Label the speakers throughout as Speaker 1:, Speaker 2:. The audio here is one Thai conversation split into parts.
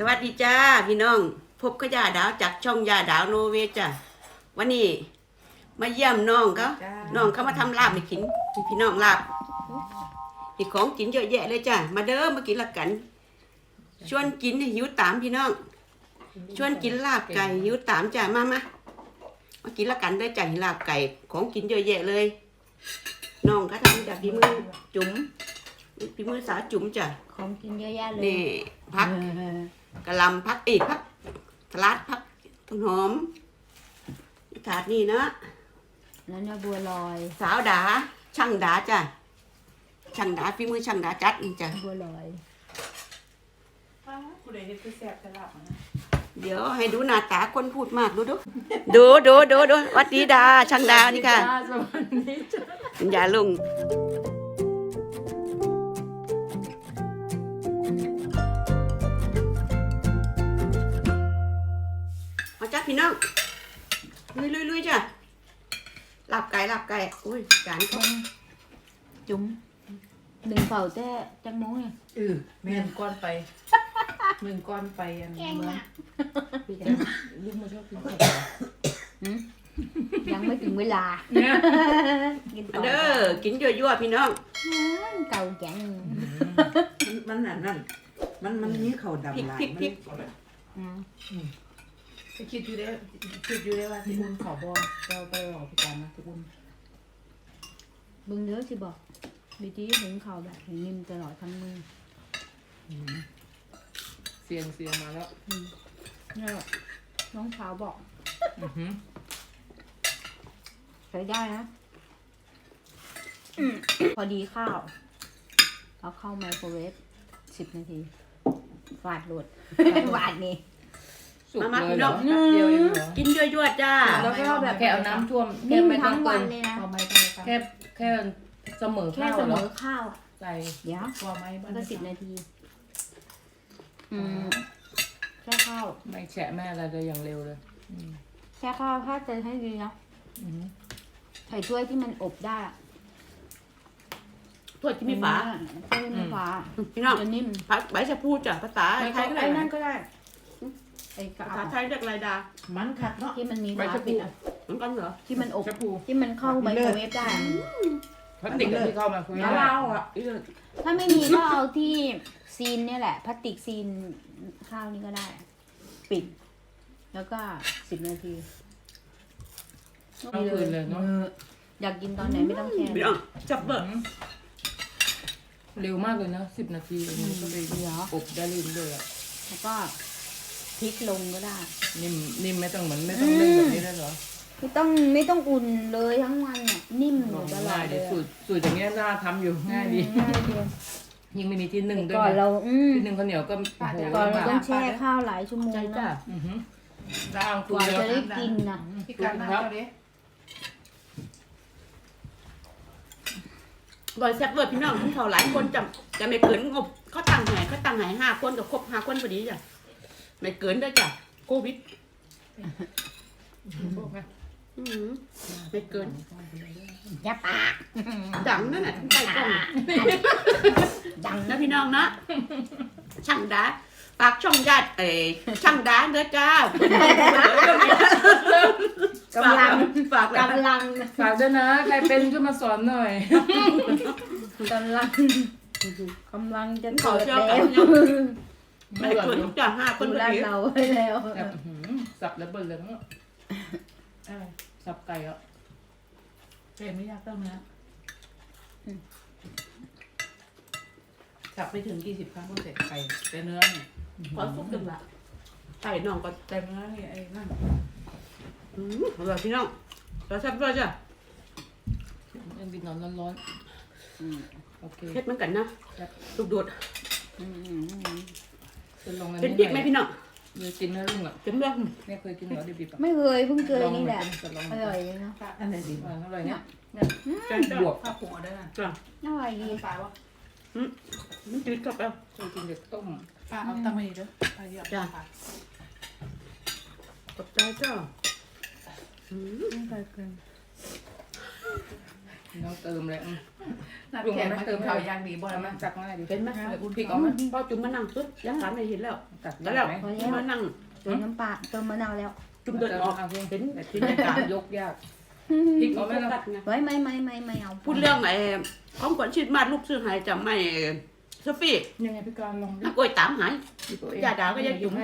Speaker 1: วัสดีจ้าพี่น้องพบกับยาดาวจากช่องยาดาวโนเวจ้าวันนี้มาเยี่ยมน้องเขามาทำลาบให้กินพี่น้องลาบมีของกินเยอะแยะเลยจ้ามาเด้อมากินละกันชวนกินหิวตามพี่น้องชวนกินลาบไก่หิวตามจ้ามากินละกันได้จ้าลาบไก่ของกินเยอะแยะเลยน้องเขาทำจากฝีมือจุ๋มฝีมือสาวจุ๋มจ้า
Speaker 2: ของกินเยอะแยะเลย
Speaker 1: นี่พักกะหล่ำพักอีกพักสลัดพักต้นหอมถาดนี่นะ
Speaker 2: แล้วเนี่ยบัวลอย
Speaker 1: สาวดาช่างดาจ้ะช่างดาฝีมือช่างดาจัดนี่จ้ะ
Speaker 2: บัวลอย
Speaker 1: เดี๋ยวให้ดูหน้าตาคนพูดมากดูวัดดีดาช่างดานี่ค่ะอย่าลงมาจ้าพี่น้องลุยจ้ะลาบไก่อุ้ยจานเขา
Speaker 2: จุ๋มดึงเป่าแต่จังโม้เนี่ย
Speaker 3: แม่นก้อนไปมึงก้อนไปอันนี้เมื่อลูกมาชอบกินข้าว
Speaker 2: ยังไม่ถึงเวลา
Speaker 1: เด้อกินยั่วๆพี่น้อง
Speaker 2: เก่าแก่
Speaker 3: มันมันนี่เขาดำลาย
Speaker 1: พริก
Speaker 3: คิดอยู่ได้ว่าที่บุญขอบอเราไปออกพิการนะที่บุญ
Speaker 2: บึงเนื้อสิบอกบีจีถึงเขาแบบนิ่มตลอดทั้งมือ
Speaker 3: เสียงมาแล้ว
Speaker 2: เนี่ยน้องสาวบอกใช้ได้นะพอดีข้าวเอาเข้าไมโครเวฟ10 นาทีฝาดหลุดฝาดนี่
Speaker 1: มาพี่น้องกินยั่วๆจ้า
Speaker 3: แล้วก็แบบแค่เอาน้ำท่วม
Speaker 2: นิ่มทั้งวันเลยนะ
Speaker 3: แค่เสมอข้าวใส่
Speaker 2: เดี๋ยว
Speaker 3: พอไหม
Speaker 2: มันก็10 นาทีแค่ข้าว
Speaker 3: ไม่แฉะแม่อะไรเลยอย่างเร็วเลย
Speaker 2: แค่ข้าวถ้าจะให้ดีนะใส่ถ้วยที่มันอบได้
Speaker 1: ถ้วยที่มีฝา
Speaker 2: ถ้วยที่มีฝา
Speaker 1: พี่น้อง
Speaker 2: จะนิ่ม
Speaker 1: ผักใบชะพูจ้ะภาษาไทย
Speaker 2: ไอ้นั่นก็ได้
Speaker 1: ภาษาไทยเรียกอะไรดา
Speaker 3: มันขัดเนาะ
Speaker 2: ที่มันมีฝาปิด
Speaker 1: มันกันเหรอ
Speaker 2: ที่มันอบที่มันเข้าไมโครเวฟได้
Speaker 3: พลาสติกที่เข้ามาคุย
Speaker 1: แล้วเราอ่ะ
Speaker 2: ถ้าไม่มีก็เอาที่ซีนเนี่ยแหละพลาสติกซีนข้าวนี่ก็ได้ปิดแล้วก็10 นาที
Speaker 3: เอาคืนเลยเนาะ
Speaker 2: อยากกินตอนไหนไม่ต้องแช่
Speaker 1: พี่น้องจับเบอร์
Speaker 3: เร็วมากเลยนะ10 นาทีก็ไปอบได้เรื่อยๆอ่ะ
Speaker 2: แล้วก็พลิกลงก็ได้
Speaker 3: นิ่มไม่ต้องเหมือนไม่ต้องเล่นแบบนี้ได้หรอ
Speaker 2: ไม่ต้องอุ่นเลยทั้งวันเนี่ยนิ่มอยู่ตลอดเลย
Speaker 3: สูตรอย่างเงี้ยน่าทำอยู่ง่ายดียิ่งไม่มีที่นึ่งด้วย
Speaker 2: ก่อนเรา
Speaker 3: ที่นึ่งข้าวเหนียวก็
Speaker 2: ก่อนเราต้องแช่ข้าวหลายชั่วโมงนะกว่าจะได้กินนะ
Speaker 3: พี่การครับ
Speaker 1: บ่อยแซ่บเบิร์ดพี่น้องเขาหลายคนจะไม่เกินงบเขาตั้งหาย5 คนกับครบ5 คนพอดีจ้ะไม่เกินด้วยจ้ะโควิดไม่เกิน
Speaker 2: อย่าปาก
Speaker 1: ดังนั่นแหละใต้กล้องดังนะพี่น้องนะช่างดาปากช่องญาติช่างดาเด้อจ้ากำลังฝาก
Speaker 3: ด้วยนะใครเป็นช่วยมาสอนหน่อย
Speaker 2: กำลังจะเกิดแล้ว
Speaker 1: ไม่เกินจ้ะ5 คนพอดี
Speaker 2: เราไว้แล้ว
Speaker 3: สับแล้วเบิ่นเลยเนาะสับไก่อ่ะไม่ยากต้องนะสับไปถึง40 ครั้งก็เสร็จไก่แต่เนื้อเนี่ย
Speaker 1: ขอซุปหนึ่งละไก่น่องก็
Speaker 3: แต่เนื้อนี่ไอ้นั่น
Speaker 1: อร่อยพี่น้องเราแซ่บด้วยจ้ะ
Speaker 3: ยังกินร้อนโอเค
Speaker 1: เผ็ดเหมือนกันนะลูกโดด
Speaker 3: เป็น
Speaker 1: พริกไหมพี่น้อง
Speaker 3: กินเนื้อลุงอ่ะ
Speaker 1: เป็นเรื่อง
Speaker 3: ไม่เคยกินเนื้อดิบ
Speaker 2: ๆไม่เคยเพิ่งเคยนี่แหละอร่อยเลยนะ
Speaker 3: อันไหนดีอร่อยเนี่ยบวกข้าวผัวได้นะ
Speaker 1: จ้ะ
Speaker 2: อร่อยดี
Speaker 3: ปลาวะ
Speaker 1: มันจืดกับเรา
Speaker 3: เคยกินเด็กต้มปลาเอาตะไมด้วยปลาเยอะ
Speaker 1: จ้ะตกใจจ้ะ
Speaker 2: ไม่เคยกิน
Speaker 3: เราเติมเลย
Speaker 4: น้ำแข็งมาเติมข้าวยางดีบ่แล้วมั้ย
Speaker 3: จักง่ายดิ
Speaker 1: เห็นไหม
Speaker 3: พริกออกไหม
Speaker 1: พอจุ่มมานั่งปุ๊บยังถามไม่เห็นแล้ว
Speaker 3: จัด
Speaker 1: แล้ว
Speaker 3: แล้วไหม
Speaker 1: จุ่มมานั่ง
Speaker 2: เติมน้ำปลาเติมมะนาวแล้ว
Speaker 1: จุ่มเดินออก
Speaker 3: เห็นแต่ที่ในการยกยากพริกออกไหม
Speaker 1: โฟ
Speaker 3: ล่ะ
Speaker 1: กัสไง
Speaker 2: ไว้ไม่เอา
Speaker 1: พูดเรื่องไอ้ของขวัญชีดมาดลูกซื้อหายจำไม่โซฟี่
Speaker 3: ยังไงพี่การลองดิ
Speaker 1: นักกล้วยตามหาย อย่าด่าก็อย่าจุ่ม
Speaker 3: ให้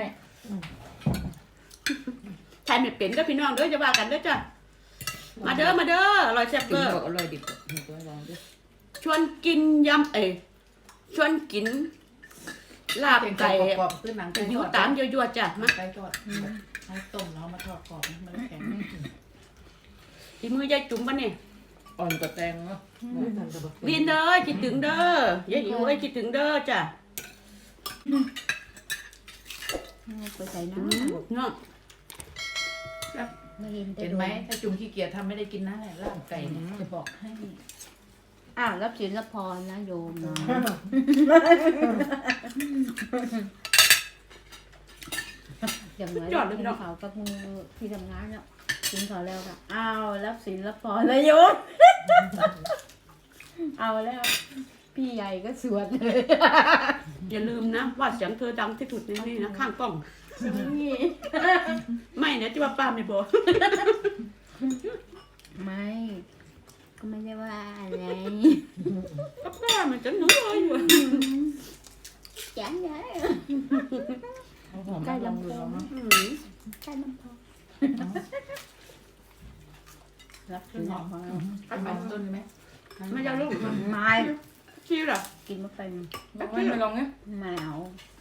Speaker 1: ใครไม่เป็นก็พี่น้องเด้อจะว่ากันเด้อจ้ะมาเด้อมาเด้ออร่อยแซ่บ
Speaker 3: กิ
Speaker 1: เบ
Speaker 3: น
Speaker 1: อร์
Speaker 3: ก็อร่อยดิบหนูก็ลองดิ
Speaker 1: ชวนกินยำชวนกินลาบไก่
Speaker 4: กรอบขึ้นหนังไก่
Speaker 1: อยู่ตามยั่วๆจ้ะมา
Speaker 4: ไก่ทอดให้ต้มแล้วมาทอดกรอบมันแข็ง
Speaker 1: ทีมือยายจุ๋มปะเนี่ย
Speaker 3: อ่อนกว่าแตงเนาะ
Speaker 1: วินเด้อคิดถึงเด้อยายอิ๋วเอ้ยคิดถึงเด้อจ้ะ
Speaker 2: ไปใส่น้
Speaker 1: เนาะ
Speaker 2: ำไม่เห็น
Speaker 4: เห็นไหมถ้าจุ่มขี้เกียจทำไม่ได้กินนะแหละล่างไก่เนี่ยจะบอกให้
Speaker 2: อ้าวรับศีลรับพรนะโยมนะอย่างไรกินเขากับมือที่ทำงานเนี่ยกินเขาแล้วค่ะอ้าวรับศีลรับพรเลยโยมเอาแล้วพี่ใหญ่ก็สวดเลย
Speaker 1: อย่าลืมนะว่าเสียงเธอดังที่สุดในนี่นะข้างกล้อง ไม่นะที่ว่าป้าไม่บอก
Speaker 2: ไม่ก็ไม่ได้ว่าอะไร
Speaker 1: ก็ป้ามันจะหนูเลยอยู่
Speaker 2: จังเลย
Speaker 3: เอาหอมมาลองดูลองนะ
Speaker 2: ใช่น้ำพอ
Speaker 4: รับขึ้นหอมอันต้นไหม
Speaker 1: ไม่จะลูก
Speaker 2: ไม่
Speaker 1: ชี้หรอ
Speaker 2: กินไม่เป็น
Speaker 3: ไม่ลองไง
Speaker 2: แมว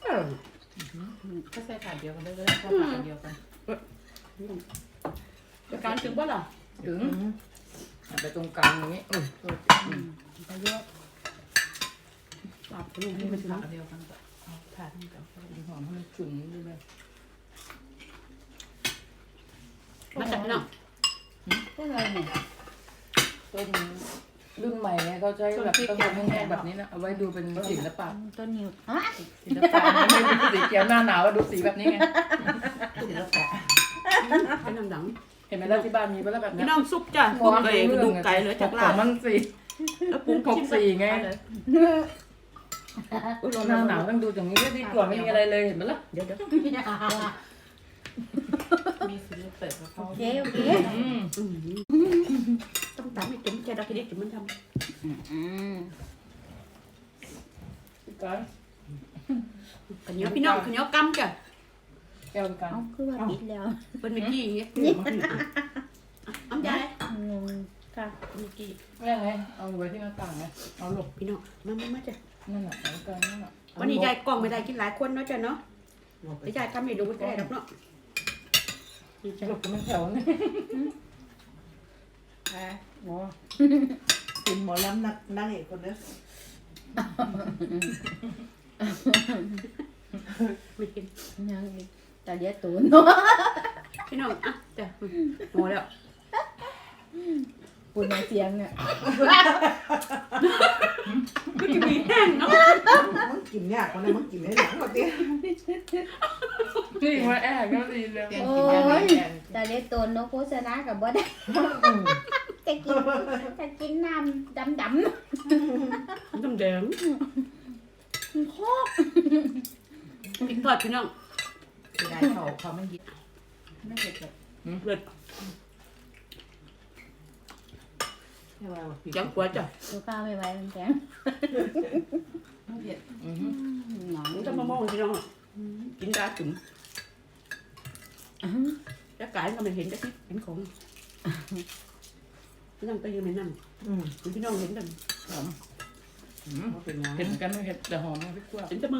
Speaker 4: ก็ใส่ถาดเดียวกันได้ก็ได้ข้าวผัดเดียวกัน
Speaker 1: จะการถึงบ่ล่ะ
Speaker 3: ถึงไปตรงกลางอย่างนี้โอ้ย
Speaker 2: ไปเยอะ
Speaker 1: ปรับลูก
Speaker 4: นี่
Speaker 1: นี่
Speaker 4: เป็
Speaker 1: มัน น
Speaker 4: ผักเดียวกันเอาถาดนี้ก่อน
Speaker 3: หอมให้มันฉุนด้วยเลย
Speaker 1: มาจากพี่น้อง
Speaker 2: ก็เลยเนี่ย
Speaker 3: ต้นรุ่นใหม่เนี่ยเขาใช้แบบต้นแห้งๆแบบนี้นะเอาไว้ดูเป็นศิลปะ
Speaker 2: ต้นนิ้วฮะ
Speaker 3: ศิลปะไม่เป็นสีเขียวหน้าหนาวดูสีแบบนี้ไง
Speaker 4: ศิลปะ
Speaker 1: เป็นน้ำดัง
Speaker 3: เห็นไหมแล้วที่บ้านมีปะล่ะแบบ
Speaker 1: พี่
Speaker 3: นี้
Speaker 1: น้องซุปจ้ะปรุงเลยกระดูกไก่เหลือจากลาบ
Speaker 3: มันสี
Speaker 1: แล้วปรุง
Speaker 3: หกสี่ไง
Speaker 1: อุ้ยร้อน
Speaker 3: หน้าหนาวต้องดูอย่างนี้ที่ก่อนไม่มีอะไรเลยเห็นไหมล่ะ
Speaker 1: เดี๋ยว
Speaker 4: มีศิลปะกับเขา
Speaker 2: โอเคโอเค
Speaker 1: ต้องตามให้จุ๋มแกดอกที่จุ๋มมันท
Speaker 3: กัน
Speaker 1: ำขันเหนียวพี่น้องขันเหนียวกำจ้ะ
Speaker 3: แก้วกัน
Speaker 2: เอาคือว่าปิดแล้ว
Speaker 1: เป็นเมื่อกี้อย่างเงี้ยอ้ำยาย
Speaker 2: งงค่ะ
Speaker 1: เมื่อกี้
Speaker 3: แม่ไงเอาไว้ที่หน้าต่างไงเอาหลบ
Speaker 1: พี่น้องมาจ้ะ
Speaker 3: นั่นแหละเอากันนั่นแหละ
Speaker 1: วันนี้ยายกล้องไม่ได้กินหลายคนเนาะจ้ะเนาะแต่ยายทำให้ดูก็ได้ดอกเนาะ
Speaker 3: หลบกันมันแถวนี่
Speaker 2: โอ้
Speaker 5: กินหมอลำนั่งเอกคนเด้อ
Speaker 1: ไม่กิน
Speaker 2: ยังแต่เดี๋ยวตูนเนาะ
Speaker 1: พี่น้องอ่ะจ้ะโหแล้ว
Speaker 2: ปุ่นเสียงเนี่ย
Speaker 1: ก็จะมีแห้งเนาะ
Speaker 5: มึงกินยากกว่านั้นมึงกินได้หลังกว่าเตี้ย
Speaker 3: นี่มาแอบก็ดีเลย
Speaker 4: แกงกินยาแกง
Speaker 2: แต่เดี๋ยวตูนเนาะโฆษณากับบ่ได้จะกินน้ำดำ
Speaker 1: น้ำแดง
Speaker 2: ๆโคก
Speaker 1: พริกทอดพี่น้อง
Speaker 4: ได้เขาไม่ยิบไม่เผ็ดแบบ
Speaker 1: เลิศ
Speaker 4: แค่ว่า
Speaker 1: จังกว่าจ้ะ
Speaker 2: ตัวข้าวไม่ไหวมันแข็ง
Speaker 4: ไม่เผ็ด
Speaker 2: หนอง
Speaker 1: มันจะมามองพี่น้องกินได้จุ๋มแล้วกายก็ไม่เห็นได้ที่เห็นของนั่งก็ยังไม่นั่งพี่น้องเห็นกัน
Speaker 3: เห็นกันไม่เห็นแต่หอมพริกขั่ว
Speaker 1: เห็นแต่มือ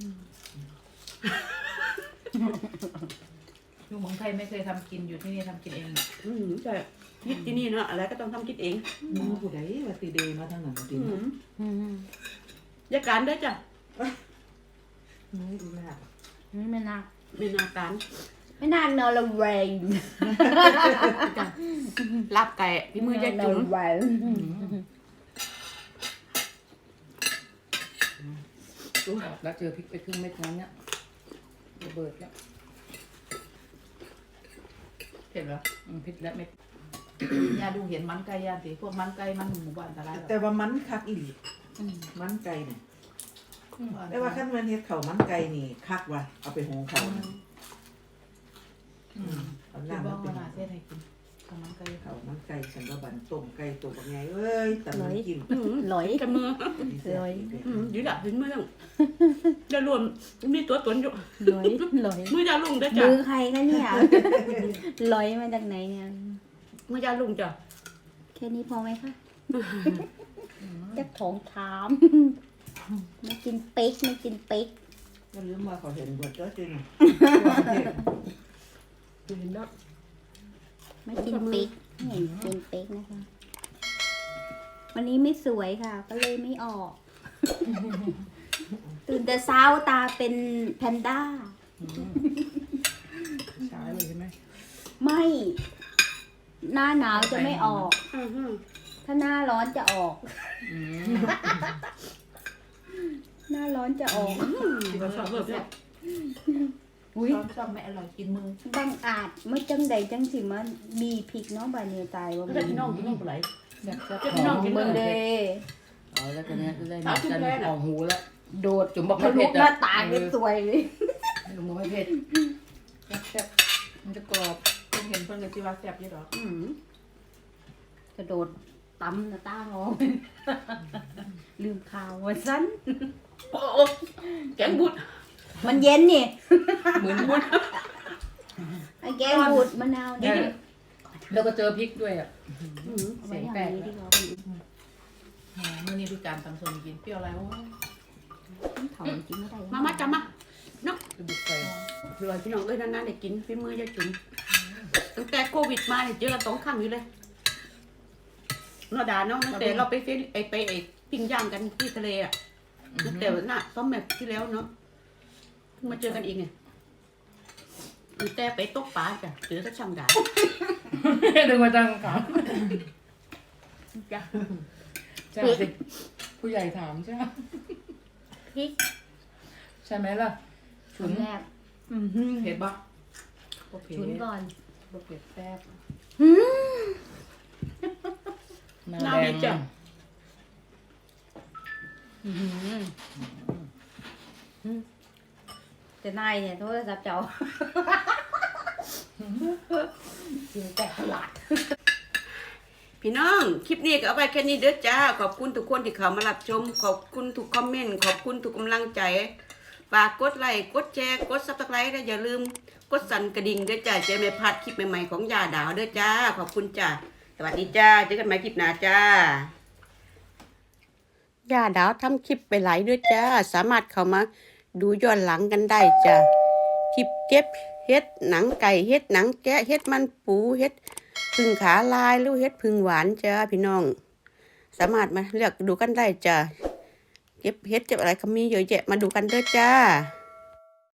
Speaker 4: อยู่เมืองไทยไม่เคยทำกินอยู่ที่นี่ทำกินเอง
Speaker 1: ใช่คิดที่นี่เนาะอะไรก็ต้องทำคิดเอง
Speaker 5: มึงผู้ใดว่าตีเดย์มาทางนั้นตี
Speaker 1: ยาการได้จ้ะ
Speaker 5: มึงดูหน้า
Speaker 2: ไม่น่า
Speaker 1: ไม่นาการ
Speaker 2: ไม่น่านอนละเวง
Speaker 1: จ้ะลาบไก่พี่มือยายจุ๋ม
Speaker 2: เวง
Speaker 3: แล้วเจอพริกไปครึ่งเม็ดนั้นเนี่ยระเบิดแล้ว
Speaker 4: เผ็ดเหรอ
Speaker 3: พริกและเม็ด
Speaker 4: ยาดูเห็นมันไก่ยาสิพวกมันไก่มันหมู่บ้านตลาด
Speaker 5: แต่ว่ามันคักอีหลี
Speaker 2: อืม
Speaker 5: มันไก่เนี่ยแต่ว่าขั้นมันเฮ็ดข้าวมันไก่นี่คักว่ะเอาไปหุงข้าวนะเอา
Speaker 4: คือ
Speaker 5: น้ำ
Speaker 4: บ
Speaker 5: มั
Speaker 4: อน ก
Speaker 5: เป็
Speaker 4: ว่าน น่าเส้นให้กินข้าวมันไก่
Speaker 5: ข้าวมันไก่ฉันก็บันต้มไก่ตัวบักใหญ่เอ้ยแต่มันกิน
Speaker 2: หลอย
Speaker 1: กันมือ
Speaker 2: ร้อย
Speaker 1: ยืดถึงมือต้องจะรวมมีตัวตนอยู่
Speaker 2: หลอยหลอย
Speaker 1: มือยาลุงเด้อจ้ะ
Speaker 2: มือใครคะเนี่ยหลอยมาจากไหนเนี่ย
Speaker 1: มือยาลุงจ้ะ
Speaker 2: แค่นี้พอไหมคะจะถองถามไม่กินเป๊กไม่กินเป๊ก
Speaker 5: ก็ลืมว่าเขาเห็นบทก็จริง
Speaker 1: เห็นแล้ว
Speaker 2: ไม่กินเป๊กไม่เห็นกินเป๊กนะคะ วันนี้ไม่สวยค่ะ ก็เลยไม่ออก ตื่นแต่เช้าตาเป็นแพนด้า
Speaker 3: ช้าเลยใช่ไหม
Speaker 2: ไม่ หน้าหนาวจะไม่ออก
Speaker 1: อือฮึ
Speaker 2: ถ้าหน้าร้อนจะออก
Speaker 3: อืม
Speaker 2: หน้าร้อนจะออก
Speaker 1: ที่เราชอบแบบนี้
Speaker 2: อุ้ย
Speaker 4: ชอบไม่อร่อยกินมือ
Speaker 2: บังอาจเมื่อจังใดจังสิมันมีพริกเน้องบาเนียตายว่า
Speaker 1: ก็ได้พี่น้องกินน้องปลาไหล
Speaker 4: แบบจะ
Speaker 1: เจ้าพี่น้องกิน
Speaker 2: เบิ่ง
Speaker 1: เล
Speaker 2: เด้
Speaker 1: ย
Speaker 3: เอาแล้วกันเนี้ยเลย
Speaker 1: สาวชุมแพน่ะ
Speaker 3: ออกหูแล้ว
Speaker 2: โดด
Speaker 3: จุ๋มบอก
Speaker 2: ทะ
Speaker 3: ไม่
Speaker 2: ลุ
Speaker 3: เผ็ด
Speaker 2: หน้า
Speaker 3: อ่ะ
Speaker 2: ต่างเป็นสวยเลย
Speaker 3: จุ๋มบอกไม่เผ็ดแซ่บ
Speaker 4: มันจะกรอบเพิ่งเห็นเพิ่นเลยที่ว่าแซ่บอยี่ดอก
Speaker 2: อืมกระโดดตำหน้าต่างออก ลืมข่าวว่าสั้น
Speaker 1: โอ้แกงบุด
Speaker 2: มันเย็นนี่
Speaker 3: เหมือนวุ้น
Speaker 2: ไอ้แกงบูดมะนาวนี่
Speaker 3: แล้วก็เจอพริกด้วยอ่ะ
Speaker 2: เอาไว้อย่างนี้ดีกว่า
Speaker 4: มื่อนี้พี่การตำส้มกินเปรี้ยวอะไรวะ
Speaker 2: เผาจริงไม่ได้
Speaker 1: มาจ้ะมา
Speaker 3: คือบุกไป
Speaker 1: ลอยพี่น้องเอ้ยนานๆได้กินฝีมือยายจุ๋มตั้งแต่โควิดมาเนี่ยเจอกัน2 ครั้งอยู่เลยเนาะดาเนาะตั้งแต่เราไปปิ้งย่างกันที่ทะเลอ่ะตั้งแต่น่ะซ้อมแบบที่แล้วเนาะเพิ่งมาเจอกันอีกไงตั้งแต่ไปตกปลาจ้ะเจอแต่ช่างดา
Speaker 3: ดึงมาจังครับ
Speaker 1: จ้ะ
Speaker 3: ใช่สิผู้ใหญ่ถามใช่ไหม
Speaker 2: พริก
Speaker 3: ใช่ไหมล่ะฉุน
Speaker 2: แรก
Speaker 4: เผ็ดปะบ่เผ็ด
Speaker 2: ชุนก่อน
Speaker 4: บ่เผ็ดแซ่บ
Speaker 3: หน้า
Speaker 1: น้า
Speaker 3: แด
Speaker 1: ดี
Speaker 3: ง
Speaker 1: จ้ะ
Speaker 2: แต่นายเนี่ยโทรศัพท์เจ้าจริงแต่ตลาด
Speaker 1: พี่น้องคลิปนี้ก็เอาไปแค่นี้เด้อจ้าขอบคุณทุกคนที่เข้ามารับชมขอบคุณทุกคอมเมนต์ขอบคุณทุกกำลังใจฝากกดไลค์กดแชร์กดซับสไครต์และอย่าลืมกดสั่นกระดิ่งเด้อจ้าจะไม่พลาดคลิปใหม่ๆของยาดาวเด้อจ้าขอบคุณจ้าสวัสดีจ้าเจอกันใหม่คลิปหน้าจ้าย่าดาวทำคลิปไปหลายด้วยจ้าสามารถเข้ามาดูย้อนหลังกันได้จ้าคลิปเก็บเฮ็ดหนังไก่เฮ็ดหนังแกะเฮ็ดมันปูเฮ็ดพึ่งขาลายหรือเฮ็ดพึ่งหวานจ้าพี่น้อง สามารถมาเลือกดูกันได้จ้าเก็บเฮ็ดเก็บอะไรก็มีเยอะแยะมาดูกันเด้อจ้า